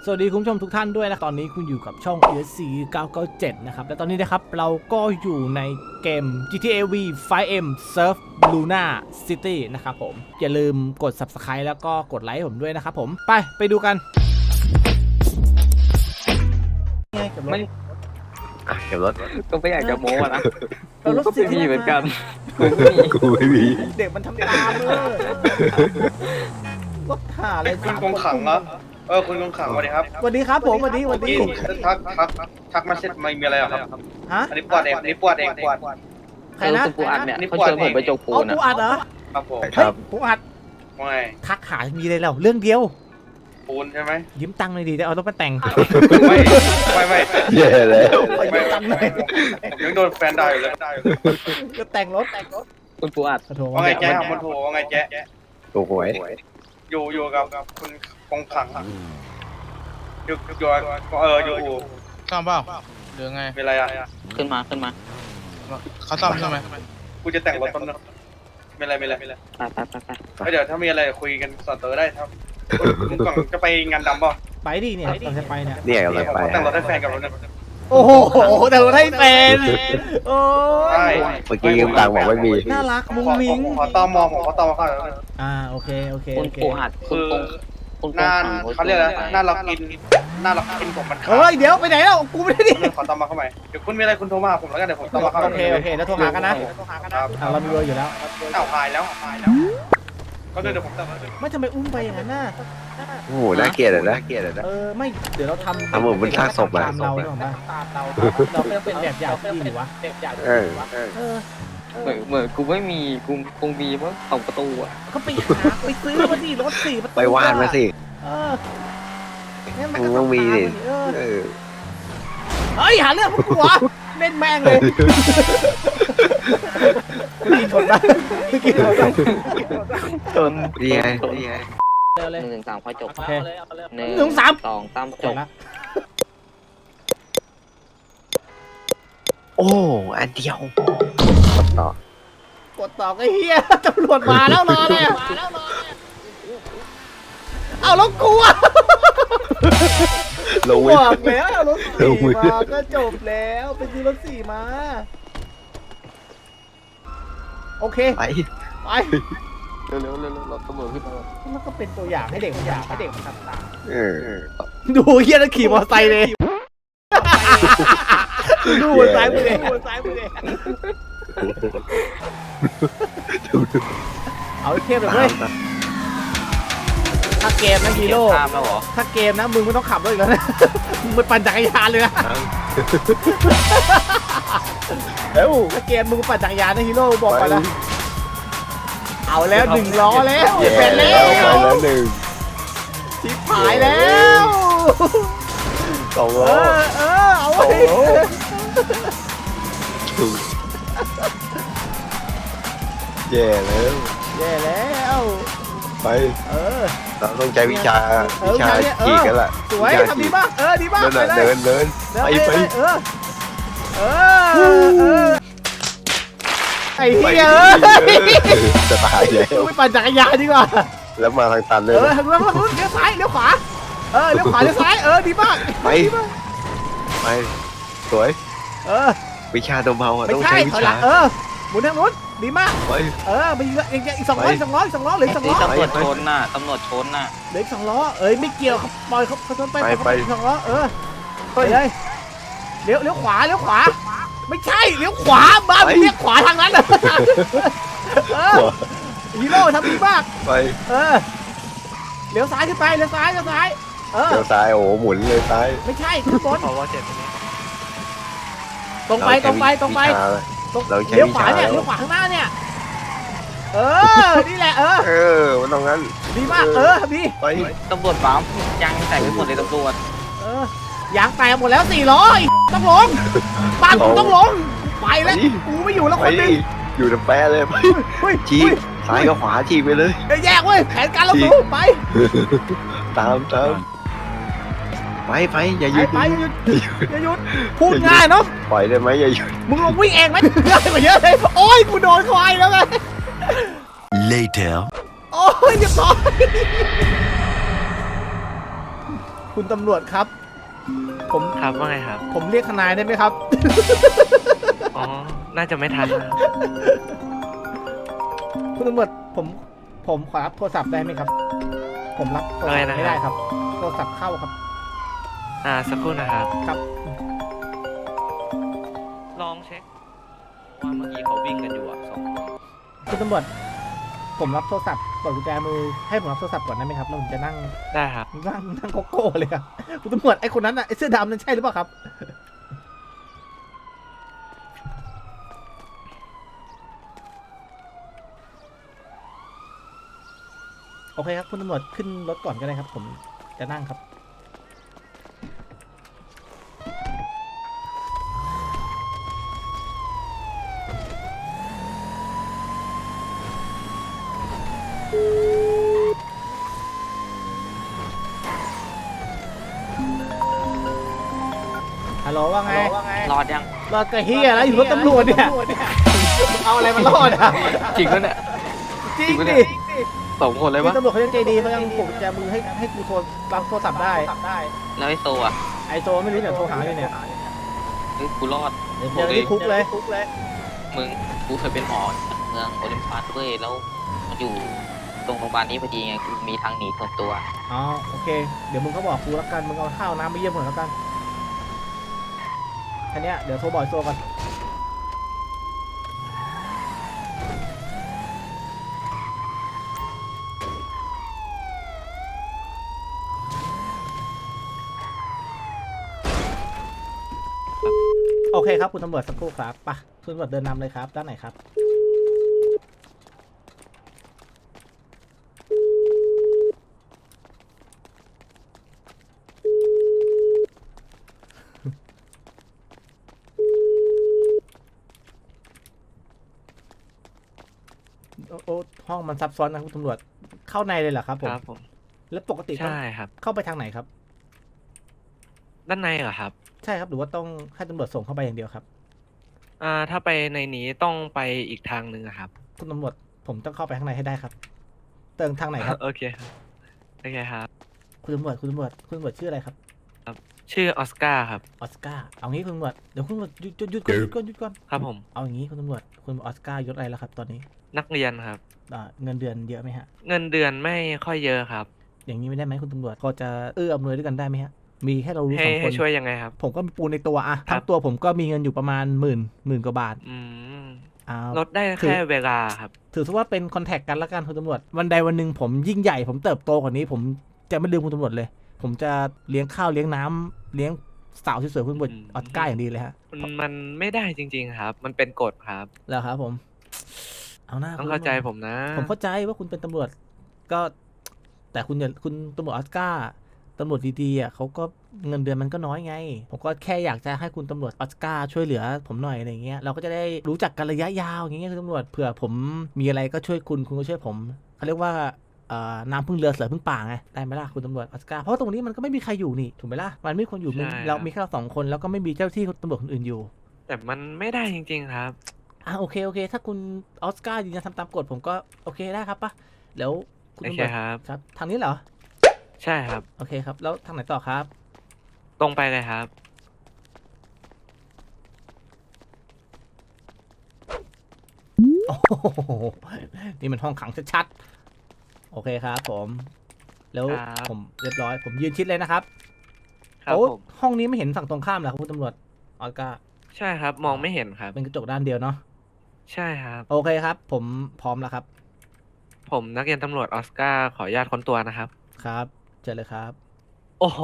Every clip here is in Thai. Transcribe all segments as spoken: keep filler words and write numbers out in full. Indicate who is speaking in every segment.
Speaker 1: สวัสดีคุณผู้ชมทุกท่านด้วยนะตอนนี้คุณอยู่กับช่อง เอ เอส ซี เก้าเก้าเจ็ด นะครับและตอนนี้นะครับเราก็อยู่ในเกม จี ที เอ วี ไฟว์ เอ็ม Surf Luna City นะครับผมอย่าลืมกด Subscribe แล้วก็กดไลค์ผมด้วยนะครับผมไปไปดูกัน
Speaker 2: ไม่
Speaker 3: เก็บรถ
Speaker 2: ก็ไม่อยากจะโม้นะ
Speaker 1: เรารถ
Speaker 2: ก็
Speaker 1: สิ
Speaker 2: ไม่มีเหมือนกันกูก็มี
Speaker 3: กูไม่มี
Speaker 1: เด็กมันทำตามเลยรถหาอะไร
Speaker 4: คุณกงขังเหรอเออคุณกงขังสวัสดีครับ
Speaker 1: สวัสดีครับผมสวัสดีสวัสดี
Speaker 4: ทักทักทักมาเสร็จไม่มีอะไรหรอครับ
Speaker 1: ฮะ
Speaker 4: อันนี้ปวดเองอันนี้ปวดเองปวด
Speaker 1: ใครนะ
Speaker 2: คุณปูอัดเนี่ยเขาชวนผมไปจกปู
Speaker 1: เอา
Speaker 2: นะ
Speaker 1: ปูอัดเหรอ
Speaker 4: ครับผม
Speaker 1: เฮ้ยปูอัด
Speaker 4: ว่าไง
Speaker 1: ทักหามีอะไรแล้วเรื่องเดียว
Speaker 4: ปูนใช่ไหม
Speaker 1: ยืมตังค์หน่อยดิจะเอารถมาแต่ง
Speaker 4: ไม่ไม่ไม่
Speaker 3: แย่แล้ว
Speaker 4: ไม่ไม่ผมยังโดนแฟนด่าอยู่เลย
Speaker 1: จะแต่งรถแต่งรถ
Speaker 2: คุณปูอัด
Speaker 1: ขอโทษ
Speaker 4: ว่าไงแจ๊มันโทรว่าไงแจ๊
Speaker 3: ถูกหวย
Speaker 4: อยู่อยู่กับคุณกงขังอยู่อยู่เอออยู่
Speaker 5: ซ่อมเปล่าหรือไง
Speaker 4: มีอะไรอ่ะ
Speaker 2: ขึ้นมาขึ้นมา
Speaker 5: เขาซ่อมใช่ไหม
Speaker 4: กูจะแต่งรถต้นนึงมีอะไรมีอะไรมีอะไร
Speaker 2: ไปไปไปไป
Speaker 4: เดี๋ยวถ้ามีอะไรคุยกันส่วนตัวได้ครับคุณกงจะไปงานดำป่ะ
Speaker 1: ไปดิเนี่ยเราจะไปเนี่ย
Speaker 3: เนี่ยกำลังไป
Speaker 4: แต่งรถให้แฟนกับรถนึง
Speaker 1: โอ้โหแต่รถให้แฟนโอ้
Speaker 4: ใช่
Speaker 3: เมื่อกี้ยืมตังค์บอกไม่มี
Speaker 1: น่ารักมุ้งมิ้ง
Speaker 4: ขอตอมอผมขอตอมอเข้า
Speaker 1: อ่าโอเคโอเค
Speaker 2: คุณ
Speaker 1: โอเค
Speaker 2: ปูอัดคุ
Speaker 4: คื
Speaker 2: ณ
Speaker 4: อ
Speaker 2: ปงคุณ
Speaker 4: หน้าเขาเรียกอะไรหน้าเรากินหน้าเรากินผมมันขาด
Speaker 1: เฮ้ยเดี๋ยวไปไหนแล้วกูไม่ได้ดิ
Speaker 4: ขอตอมอเข้ามาเดี๋ยวคุณมีอะไรคุณโทรมาผมแล้วกันเดี๋ยวผมตอมอเข้า
Speaker 1: โอเคโอเคแล้วโทรหากันนะ
Speaker 4: ครับ
Speaker 1: อ่าเรามีเบอร์อยู่แล้ว
Speaker 4: อ้าวหายแล้วหายแล้วก็เดี๋ยวผมตอมอ
Speaker 1: ไม่ทำไมอุ้มไปอย่างนั้นน่ะ
Speaker 3: โอ้โหน่าเกลียดอ่ะนะเกลียดอ่ะนะ
Speaker 1: เออไม่เดี๋ยวเราทำ
Speaker 3: ทำเหมือนมันฆ่าศพอะ
Speaker 1: ตามเราเนี่ยหรอปะตามเราเราไม่ต้องเป็นแบบอย่างที่ดีวะแบบอย่าง
Speaker 3: เออเออ
Speaker 1: เออ
Speaker 2: เหมือนเหมือนกูไม่มีกูคงมีมั้งสองประตูอ่ะ
Speaker 1: ก็ไปหาไปซื้อมาดิรถสี่ประตู
Speaker 3: ไปวาดมาสิ
Speaker 1: เออเนี่ยมัน
Speaker 3: มึ
Speaker 1: ก็
Speaker 3: ง
Speaker 1: ต้
Speaker 3: ต้
Speaker 1: อ
Speaker 3: อง งมีดิ
Speaker 1: เออ
Speaker 3: เออ
Speaker 1: เฮ้ยหาเรื่องพวกกูเหรอเล่นแม่งเลยเมื่อกี้ชนปะเมื่อกี้ชนปะ
Speaker 2: จน
Speaker 3: ดีไงดีไง
Speaker 1: เร็วเลย
Speaker 2: หนึ่งสามค่อยจบ
Speaker 1: โอเค
Speaker 2: หนึ่ง
Speaker 1: หนึ่งสาม
Speaker 2: สองสาม
Speaker 1: จ
Speaker 2: จ
Speaker 1: บบ ละ
Speaker 3: โอ้อันเดียวต่อก
Speaker 1: ดต่อก็เฮียตำรวจมาแล้วรอเลยเอาแล้วกูอะ
Speaker 3: ลง
Speaker 1: บ
Speaker 3: ไว้
Speaker 1: อกแล้วเอารถสี่มาก็จบแล้วไปซื้อรถสี่มาโอเค
Speaker 3: ไป
Speaker 1: ไป
Speaker 2: เร็วเร็วเร็วเร็วเราตำรวจขึ้นมา
Speaker 1: มันก็เป็นตัวอย่างให้เด็กมันอยากให้เด็กมันทำตาม
Speaker 3: เออ
Speaker 1: ดูเฮียแล้วขี่มอเตอร์ไซค์เลยดูบนซ้ายมือเลยดูบนซ้ายมือเลยเอาเทียบเลยเว้ยถ้าเกมนะฮีโร่
Speaker 2: ตามแล้วเหรอ
Speaker 1: ถ้าเกมนะมึงไม่ต้องขับรถอีกแล้วนะมึงไปปั่นจักรยานเลยนะเอ้าถ้าเกมมึงปั่นจักรยานนะฮีโร่บอกไปแล้วเอาแล้วหนึ่งล้อแล้ว
Speaker 3: แย่
Speaker 1: เป็นแล้
Speaker 3: แล้วไป
Speaker 1: ว
Speaker 3: แล้วหนึ่ง
Speaker 1: ชิบหายแล้ว
Speaker 3: สอง
Speaker 1: เอ
Speaker 3: ล้อ
Speaker 1: อเออเอาไว้
Speaker 3: แย่แล้ว
Speaker 1: แย่แล้ว
Speaker 3: ไป
Speaker 1: เออ
Speaker 3: เราต้องใช้วิชา
Speaker 1: เออ
Speaker 3: วิชา
Speaker 1: วิชาเนี่ยเออ
Speaker 3: ขี่กันละ
Speaker 1: สวยทำดีมากเออดีมาก
Speaker 3: นั่น
Speaker 1: ไป
Speaker 3: น่ะ
Speaker 1: เลย
Speaker 3: เดินเดิน
Speaker 1: เดิน
Speaker 3: ไป
Speaker 1: ไป
Speaker 3: ไป
Speaker 1: เออเออเออไอ้เหี้ยเอ้ย
Speaker 3: จะตายแล้ว
Speaker 1: ไม่ปั่นจักรยานดีกว่า
Speaker 3: แล้วมาทางตันเล
Speaker 1: เอย อทางนู้นทางนู้นเลี้ยวซ้ายเลี้ยวขวาเออเลี้ยวขวาเลี้ยวซ้ายเออดีมาก
Speaker 3: ไป
Speaker 1: ดีมาก
Speaker 3: ไปสวย
Speaker 1: เออ
Speaker 3: วิชาตัวเบาอ่ะ
Speaker 1: ไม่
Speaker 3: ต้อง
Speaker 1: ใช่
Speaker 3: ใช้วิ
Speaker 1: ถอยหลั
Speaker 3: ชาง
Speaker 1: เออหมุนทางนู้นดีมาก
Speaker 3: ไป
Speaker 1: เออไปอีกอีกอีกสองร้อยสองร้อยสองร้อยเหลือสอง
Speaker 2: นี่
Speaker 1: ร้อย
Speaker 2: ตำรวจชนน่ะตำรวจชนน่ะ
Speaker 1: เหลือสองล้อเอ้ยไม่เกี่ยวเขาปล่อยเขาเขาชนไป
Speaker 3: ไป
Speaker 1: เขา
Speaker 3: ไป
Speaker 1: สองล้อเออไปเลยเลี้ยวเลี้ยวขวาเลี้ยวขวาไม่ใช่เลี้ยวขวาบ้ามึงเลี้ยวขวาทางนั้นเหรอเออฮีโร่ทำดีมาก
Speaker 3: ไป
Speaker 1: เออเลี้ยวซ้ายขึ้นไปเลี้ยวซ้ายเลี้ยวซ้ายเออ
Speaker 3: เดี๋ยวซ้ายโอ้โหหมุนเลยซ้าย
Speaker 1: ไม่ใช่ขึ้นบนตรงไปตรงไปตรงไป
Speaker 3: วิชาเลย
Speaker 1: ตรง
Speaker 3: เราใช้
Speaker 1: เลี้ยวขวา
Speaker 3: วิชา
Speaker 1: เนี่ย
Speaker 3: แล้ว
Speaker 1: เลี้ยวขวาข้างหน้าเนี่ยเออนี่แหละเออ
Speaker 3: เออมันต้องงั้น
Speaker 1: ดีมากเออทำดี
Speaker 3: ไป
Speaker 2: ตำรวจปั๊มยังใส่ไปหมดเลยตำรวจ
Speaker 1: เออยางแตกหมดแล้วสี่ล้อต้องลงบ้านกูต้องลงไปแล้วกูไม่อยู่แล้ว
Speaker 3: ไป
Speaker 1: คนหนึง
Speaker 3: อยู่ในแปะเลยไป
Speaker 1: เฮ้ย
Speaker 3: ชี้ซ้ายกับขวาชี้ไปเลย
Speaker 1: เฮ้ยแยกเว้ยแผนการเราสูไป
Speaker 3: ตามตามไปไปอย่าห
Speaker 1: ไป
Speaker 3: ยุด
Speaker 1: ไปอย่าหยุดอย่าหยุดพูดง่ายเนาะ
Speaker 3: ปล่อยได้ไหมอย่าหยุด
Speaker 1: มึงลงวิ่งเองไหมง่ายกว่าเยอะเลยโอ้ยกูโดนควายแล้วไง
Speaker 6: Later.
Speaker 1: โอ้ยเรียบร้อยคุณตำรวจครับ ผม
Speaker 3: ครับว่าไงครับ
Speaker 1: ผมเรียกทนายได้ไหมครับ
Speaker 3: อ๋อ น่าจะไม่ทันนะ
Speaker 1: คุณตำรวจผมผมขอรับโทรศัพท์ได้ไหมครับ ผมรับโทรศัพท์ไม่ได้ครับ โทรศัพท์เข้าครับ
Speaker 3: อ่า สักครู่นะครับ
Speaker 1: ครับ
Speaker 3: ลองเช็คว่าเมื่อกี้เขาวิ่งกันอยู่อ่ะสองคน
Speaker 1: คุณตำรวจผมรับโทรศัพท์เปิดกุญแจมือให้ผมรับโทรศัพท์ก่อนได้ไหมครับแล้วผมจะนั่ง
Speaker 3: ได้ครับ
Speaker 1: นั่งนั่งโกโก้เลยครับคุณตำรวจไอ้คนนั้นน่ะไอ้เสื้อดำนั่นใช่หรือเปล่าครับโอเคครับคุณตำรวจขึ้นรถก่อนก็ได้ครับ ผมจะนั่งครับฮัลโหลว่าไง
Speaker 3: รอดยัง
Speaker 1: รอดกระเฮียแล้วอยู่รถตำรวจเนี่ยเอาอะไรมารอดอ่ะ
Speaker 2: จริงปะเนี่ย
Speaker 1: จริง
Speaker 2: จริงปะเนี่
Speaker 1: ดิ
Speaker 2: ย สองคนเลย
Speaker 1: พี่
Speaker 2: ปะ
Speaker 1: ตำรวจเขายังใจดีเขายังปลุกแจมือให้ให้กูโทรรับโทรศัพท์ได้
Speaker 3: แล้วไอโซอ่ะ
Speaker 1: ไอโจไม่รู้เดี๋ยวโทรหาอยู่เนี่ย
Speaker 3: เฮ้ยกูรอด
Speaker 1: เดี๋ยวเจอที่คุกเลยคุกเลย
Speaker 3: มึง กูเคยเป็นหมอเมืองโอลิมปัสเว้ย แล้วมันอยู่ตรงโรงพยาบาลนี้พอดีไง กูมีทางหนีส่วนตัว
Speaker 1: อ๋อโอเค เดี๋ยวมึงก็บอกกูแล้วกัน มึงเอาข้าวน้ำไปเยี่ยมผมแล้วกันแค่เนี้ยเดี๋ยวโทรบอกไอ้โซก่อนโอเคครับคุณตำรวจสักครู่ครับไปคุณตำรวจเดินนำเลยครับด้านไหนครับ โอ้โอ้ห้องมันซับซ้อนนะคุณตำรวจเข้าในเลยเหรอครับผม
Speaker 3: ครับผม
Speaker 1: แล้วปกติต้อง
Speaker 3: ใช่ครับ
Speaker 1: เข้าไปทางไหนครับ
Speaker 3: ด้านในเหรอครับ
Speaker 1: ใช่ครับหรือว่าต้องให้ตำรวจส่งเข้าไปอย่างเดียวครับ
Speaker 3: อ่า ถ้าไปในนี้ต้องไปอีกทางหนึ่งอะครับ
Speaker 1: คุณตำรวจผมต้องเข้าไปข้างในให้ได้ครับ เติมทางไหนครับ
Speaker 3: โอเคครับ โอเคครับ
Speaker 1: คุณตำรวจคุณตำรวจคุณตำรวจชื่ออะไรครับ
Speaker 3: ชื่อออสการ์ครับ
Speaker 1: ออสการ์เอางี้คุณตำรวจเดี๋ยวคุณตำรวจหยุดหยุดหยุดก่อนหยุดก่อนหยุดก่อน
Speaker 3: ครับผม
Speaker 1: เอาอย่างนี้คุณตำรวจคุณออสการ์ยศอะไรแล้วครับ ตอนนี้
Speaker 3: นักเรียนครับ
Speaker 1: อ่าเงินเดือนเยอะไหมฮะ
Speaker 3: เงินเดือนไม่ค่อยเยอะครับ
Speaker 1: อย่างนี้ไม่ได้ไหมคุณตำรวจพอจะเอื้ออำนวยด้วยกันได้ไหมฮะมีแค่เรารู้
Speaker 3: ให้
Speaker 1: สองค
Speaker 3: ให้
Speaker 1: น
Speaker 3: ช่วยยังไงครับ
Speaker 1: ผมก็มีปูนในตัวอะ
Speaker 3: ครั
Speaker 1: ทั้
Speaker 3: บ
Speaker 1: งตัวผมก็มีเงินอยู่ประมาณหมื่นหมื่นกว่าบาท
Speaker 3: อืม
Speaker 1: อ่า
Speaker 3: ลดได้
Speaker 1: คือ
Speaker 3: แค่เวลาครับ
Speaker 1: ถือซะว่าเป็นคอนแทคกันละกันคุณตำรวจวันใดวันหนึ่งผมยิ่งใหญ่ผมเติบโตกว่านี้ ผมจะไม่ลืมคุณตำรวจเลย ผมจะเลี้ยงข้าวเลี้ยงน้ำเลี้ยงสาวสวยๆคุณตำรวจ
Speaker 3: อืม
Speaker 1: ออสการ์อย่างดีเลยฮะ
Speaker 3: มันมันไม่ได้จริง ๆ ครับ มันเป็นกฎครับ
Speaker 1: แล้วครับผม เอาหน้า
Speaker 3: ต้อง
Speaker 1: คุณ
Speaker 3: เข้าใจ
Speaker 1: ตำรวจ
Speaker 3: ผมนะ
Speaker 1: ผมเข้าใจว่าคุณเป็นตำรวจก็ แต่คุณอย่าคุณตำรวจออสการ์ตำรวจดีๆอ่ะเขาก็เงินเดือนมันก็น้อยไง ผมก็แค่อยากจะให้คุณตำรวจออสการ์ช่วยเหลือผมหน่อยอะไรเงี้ยเราก็จะได้รู้จักกันระยะยาวอย่างเงี้ยคุณตำรวจเผื่อผมมีอะไรก็ช่วยคุณคุณก็ช่วยผมเขาเรียกว่าเอ่อน้ำพึ่งเรือเสือพึ่งป่าไงได้ไหมล่ะคุณตำรวจออสการ์เพราะตรงนี้มันก็ไม่มีใครอยู่นี่ถูกไหมล่ะมันไม่มีคนอยู่มันเรามีแค่เราสองคนแล้วก็ไม่มีเจ้าที่ตำรวจคนอื่นอยู่
Speaker 3: แต่มันไม่ได้จริง ๆ ครับ
Speaker 1: อ่ะโอเคโอเค ถ้าคุณออสการ์ยืนยันทำตามกฎผมก็โอเคได้ครับปะเดี๋ยวคุณ
Speaker 3: โอ
Speaker 1: ตำ
Speaker 3: เค
Speaker 1: รวจ
Speaker 3: ครับ
Speaker 1: ครับทางนี้เหรอ
Speaker 3: ใช่ครับ
Speaker 1: โอเคครับ แล้วทางไหนต่อครับ
Speaker 3: ตรงไปเลยครับ
Speaker 1: โอ้โหนี่มันห้องขังชัดๆโอเคครับผม แล้ว
Speaker 3: ครับ
Speaker 1: ผมเรียบร้อย ผมยืนชิดเลยนะครับ
Speaker 3: ครับ
Speaker 1: โอ้
Speaker 3: ผม
Speaker 1: ห้องนี้ไม่เห็นฝั่งตรงข้ามเหรอครับคุณตำรวจออสการ์
Speaker 3: ใช่ครับ มองไม่เห็นครับ
Speaker 1: เป็นกระจกด้านเดียวเนาะ
Speaker 3: ใช่ครับ
Speaker 1: โอเคครับ ผมพร้อมแล้วครับ
Speaker 3: ผมนักเรียนตำรวจออสการ์ขออนุญาตค้นตัวนะครับ
Speaker 1: ครับเจอเลยครับ
Speaker 3: โอ้โห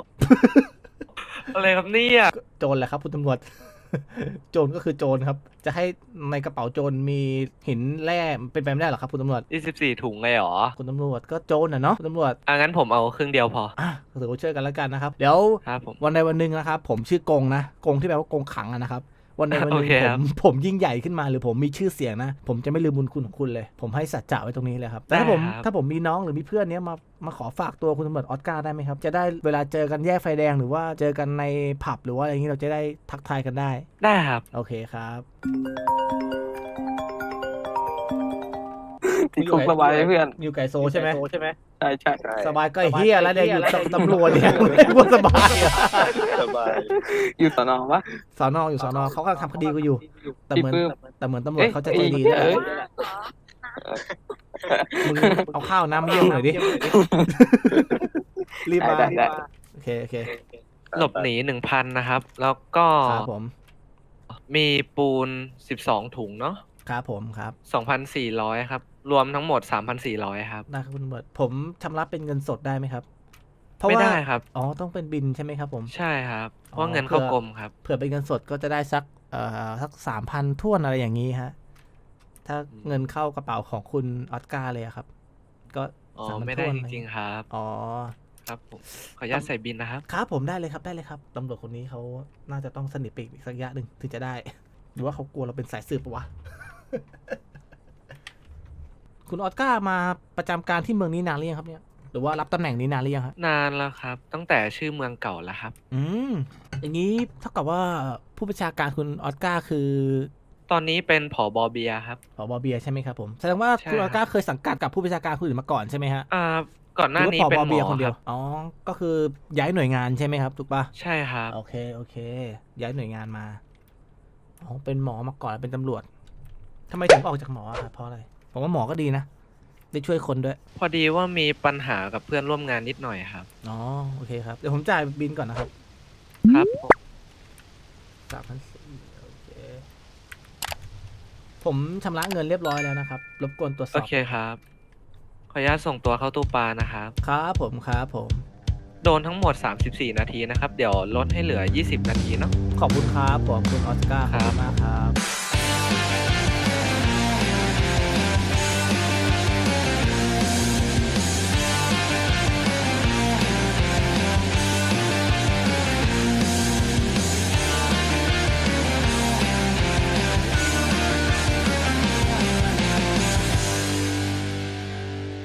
Speaker 3: อะไรครับเนี่ย
Speaker 1: โจรแหละครับคุณตำรวจ โจรก็คือโจรครับ จะให้ในกระเป๋าโจรมีหินแร่เป็นไปไม่ได้หรอครับคุณตำรวจ
Speaker 3: ยี่สิบสี่ถุงเลยเหรอ
Speaker 1: คุณตำรวจก็โจรน่ะเนาะคุณตำรวจ
Speaker 3: อ่ะงั้นผมเอาครึ่งเดียวพอ
Speaker 1: อ่ะถือว่าช่วยกันแล้วกันนะครับ เดี๋ยว
Speaker 3: ครับผม
Speaker 1: วันใดวันหนึ่งนะครับ ผมชื่อกงนะกงที่แปลว่ากงขังอะนะครับ วันใดวันหนึ่ง
Speaker 3: โอเค
Speaker 1: ผ
Speaker 3: ครั
Speaker 1: ม
Speaker 3: บ
Speaker 1: ผมยิ่งใหญ่ขึ้นมาหรือผมมีชื่อเสียงนะ ผมจะไม่ลืมบุญคุณของคุณเลย ผมให้สัจจะไว้ตรงนี้เลยครับแต่ถ้าผมถ้าผมมีน้องหรือมีเพื่อนเนี้ยมามาขอฝากตัวคุณตำรวจออสการ์ได้ไหมครับ จะได้เวลาเจอกันแยกไฟแดงหรือว่าเจอกันในผับหรือว่าอะไรอย่างนี้เราจะได้ทักทายกันได้
Speaker 3: ได้ครับ
Speaker 1: โอเคครับ
Speaker 2: ติดคุกสบายเพื่อน
Speaker 1: อยู่ไก่โซใช่ไหมใช่ไหม
Speaker 2: ใช่ใช่
Speaker 1: สบายก็ไอ้เฮียแล้วเนี่ยอยู่กับตำรวจเนี่ยพูดสบายอะ
Speaker 4: สบาย
Speaker 2: อยู่สนอปะ
Speaker 1: สอนออยู่สอนอเขาก็ทำคดีกูอยู่ แต่เหมือน
Speaker 2: พี่ปื้ม
Speaker 1: แต่เหมือนตำรวจเขาจะใจดี
Speaker 2: เอ้
Speaker 1: นะ
Speaker 2: ยเอ้ย
Speaker 1: มึงเอาข้าวน้ำเยี่ยมหน่อยดิรีบมา
Speaker 2: ได้ได้
Speaker 1: โอเคโอเค
Speaker 6: หลบหนีหนึ่งพันนะครับ แล้วก็
Speaker 1: ครับผม
Speaker 6: มีปูนสิบสองถุงเนาะ
Speaker 1: ครับผมครับ
Speaker 6: สองพันสี่ร้อยครับ รวมทั้งหมดสามพันสี่ร้อยครับ
Speaker 1: ได้ครับคุณตำรวจผมชำระเป็นเงินสดได้ไหมครับเพราะ
Speaker 6: ไม่
Speaker 1: ว่า
Speaker 6: ได้ครับ
Speaker 1: อ๋อต้องเป็นบินใช่ไหมครับผม
Speaker 6: ใช่ครับเพ
Speaker 1: อ๋อ
Speaker 6: ราะเงินเข้า
Speaker 1: เผื่อ
Speaker 6: กรมครับ
Speaker 1: เผื่อเป็นเงินสดก็จะได้สักเอ่อสักสามพันท่วนอะไรอย่างนี้ฮะถ้าเงินเข้ากระเป๋าของคุณออสการ์เลยอะครับ ก็
Speaker 6: อ๋อ
Speaker 1: สามพัน
Speaker 6: ไม่ได้
Speaker 1: ท่วน
Speaker 6: จริงๆครับ
Speaker 1: อ๋อ
Speaker 6: ครับผมขออนุญาตใส่บินนะครับ
Speaker 1: ครับผมได้เลยครับได้เลยครับตำรวจคนนี้เขาน่าจะต้องสนิทไปอีกสักระยะหนึ่งถึงจะได้ หรือว่าเขากลัวเราเป็นสายสืบปะวะ คุณออสการ์มาประจำการที่เมืองนี้นานหรือยังครับเนี่ยหรือว่ารับตำแหน่งนี้นานหรือยังครับ
Speaker 6: นานแล้วครับ ตั้งแต่ชื่อเมืองเก่าแล้วครับ
Speaker 1: อืมอย่างนี้เท่ากับว่าผู้บัญชาการคุณออสการ์คือ
Speaker 6: ตอนนี้เป็นผอบอเบียร์ครับ
Speaker 1: ผบเบียร์ใช่ไหมครับผมแสดงว่า
Speaker 6: ใช่
Speaker 1: คุณอ
Speaker 6: ค
Speaker 1: อ
Speaker 6: รับ
Speaker 1: สการ์เคยสังกัดกับผู้บัญชาการคนอื่นมาก่อนใช่ไหมฮะ
Speaker 6: อ่าก่อนหน้านี้
Speaker 1: รือ
Speaker 6: เป็น
Speaker 1: ว่าผ
Speaker 6: หม
Speaker 1: เบียร์
Speaker 6: อ
Speaker 1: คนเดี
Speaker 6: ค
Speaker 1: ย
Speaker 6: รั
Speaker 1: ว
Speaker 6: บ
Speaker 1: อ๋อก็คือย้ายหน่วยงานใช่ไหมครับถูกปะ
Speaker 6: ใช่ครับ
Speaker 1: โอเคโอเค ย้ายหน่วยงานมาอ๋อเป็นหมอมาก่อนเป็นตำรวจทำไมถึงออกจากหมออะครับเพราะอะไรผมว่าหมอก็ดีนะได้ช่วยคนด้วย
Speaker 6: พอดีว่ามีปัญหากับเพื่อนร่วมงานนิดหน่อยครับ
Speaker 1: อ๋อโอเคครับเดี๋ยวผมจ่ายบินก่อนนะครับ
Speaker 6: ครับผม
Speaker 1: สามพันสี่โอเคผมชำระเงินเรียบร้อยแล้วนะครับรบกวนตรวจส
Speaker 6: โอ
Speaker 1: อบ
Speaker 6: เคครับ ขออนุญาตส่งตัวเข้าตู้ปลานะครับ
Speaker 1: ครับผมครับผม
Speaker 6: โดนทั้งหมดสามสิบสี่นาทีนะครับ เดี๋ยวลดให้เหลือยี่สิบนาทีเนาะ
Speaker 1: ขอบคุณครับผมคุณออสการ์ขอบคุณมากครับ